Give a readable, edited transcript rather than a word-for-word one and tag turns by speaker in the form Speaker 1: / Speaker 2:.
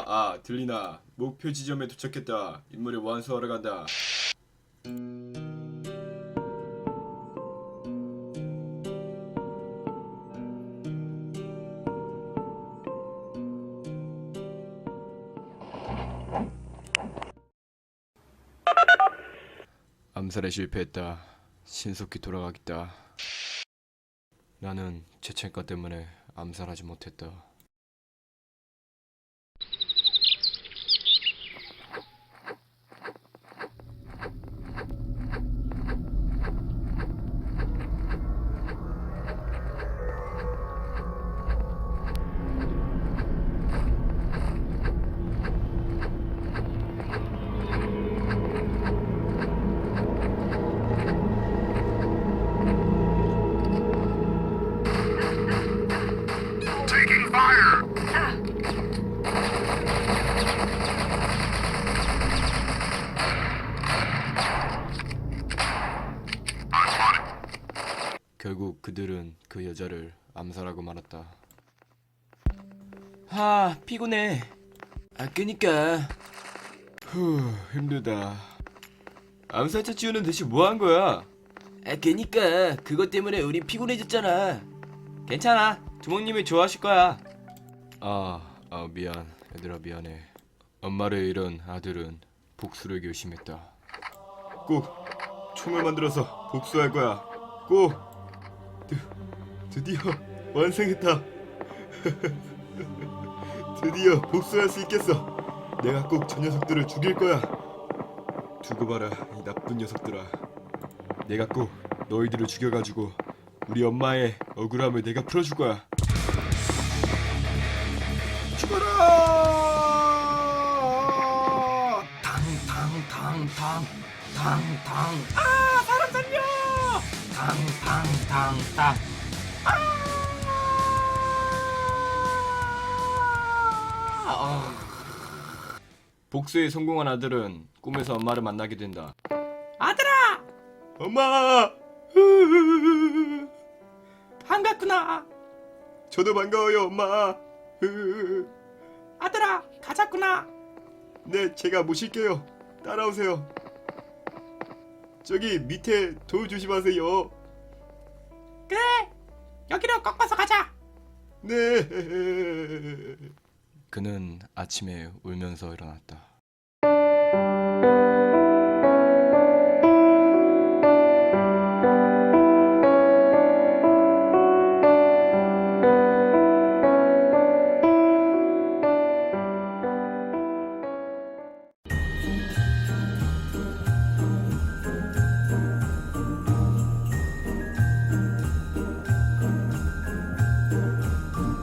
Speaker 1: 들리나? 목표 지점에 도착했다. 임무를 완수하러 간다. 암살에 실패했다. 신속히 돌아가겠다. 나는 죄책감 때문에 암살하지 못했다. 결국 그들은 그 여자를 암살하고 말았다.
Speaker 2: 피곤해. 그니까.
Speaker 1: 힘들다. 암살자 지우는 대체 뭐 한 거야?
Speaker 2: 그니까 그것 때문에 우리 피곤해졌잖아.
Speaker 1: 괜찮아. 두목님이 좋아하실 거야. 미안. 얘들아 미안해. 엄마를 잃은 아들은 복수를 결심했다. 꼭 총을 만들어서 복수할 거야. 꼭. 드디어 완성했다. 드디어 복수할 수 있겠어. 내가 꼭 저 녀석들을 죽일 거야. 두고 봐라 이 나쁜 녀석들아. 내가 꼭 너희들을 죽여가지고 우리 엄마의 억울함을 내가 풀어줄 거야. 죽어라!
Speaker 2: 탕탕탕탕탕탕. 사람 살려! 탕탕탕탕.
Speaker 1: 복수에 성공한 아들은 꿈에서 엄마를 만나게 된다.
Speaker 2: 아들아!
Speaker 1: 엄마!
Speaker 2: 반갑구나.
Speaker 1: 저도 반가워요 엄마.
Speaker 2: 아들아, 가자꾸나.
Speaker 1: 네, 제가 모실게요. 따라오세요. 저기 밑에 돌 조심하세요.
Speaker 2: 그래, 여기로 꺾어서 가자.
Speaker 1: 네. 그는 아침에 울면서 일어났다.